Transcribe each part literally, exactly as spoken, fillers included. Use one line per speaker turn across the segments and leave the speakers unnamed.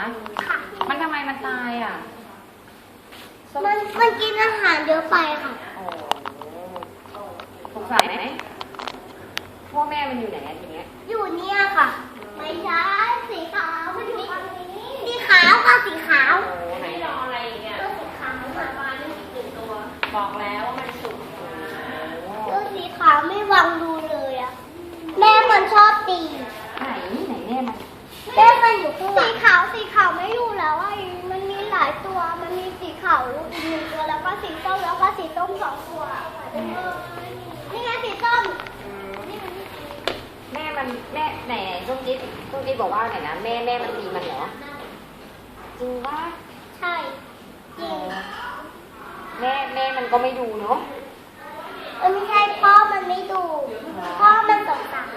คะค่ะมันทำไมมันตายอ่ะ
มันมันกินอาหารเยอะไปค่ะ
โอ้สงสัยไหมพ่อแม่มันอยู่ไหนอะทีเนี้ย
อยู่เนี่ยค่ะไม่ใช่สีขาวมันอยู่ตรงนี้สีขาวค่ะสีขาว
โอ้ไหนรออะไรเนี่ย
ตัวสีขาวมาบ้านนี่ตื่นตัว
บอกแล้วว่ามันสุก
ตัวสีขาวไม่วางดูเลยอ่ะแม่มันชอบตี
ไหนไหนแม่มัน
แม่มันอยู่ข้างหลังสีขาวสีขาวไม่อยู่แล้วอ่ะมันมีหลายตัวมันมีสีขาวอีกหนึ่งตัวแล้วก็สีส้มแล้วก็สีส้มสองตัวนี่ไงสีส้ม
แม่มันแม่ไหนไหนส้มจิ๊ดส้มจิ๊ดบอกว่าไหนนะแม่แม่มันตีมันเหรอจริงว่า
ใช่จริง
แม่แม่มันก็ไม่ดูเนาะ
เออไม่ใช่พ่อมันไม่ดูพ่อมันสงสาร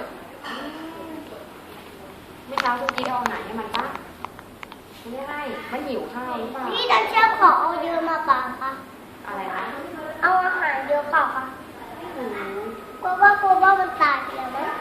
เมื่อเช้าส้มจิ๊ดเอาอาหารให้มันปะไม่ให้มันหิวข้าวหรือเปล่า
พี่ดันเชื่อขอเอาเยอะมาปาค่ะ
อะไรนะ
เอาอาหารเยอะเปล่าคะกลัวว่ากลัวว่ามันตายแล้วมั้ย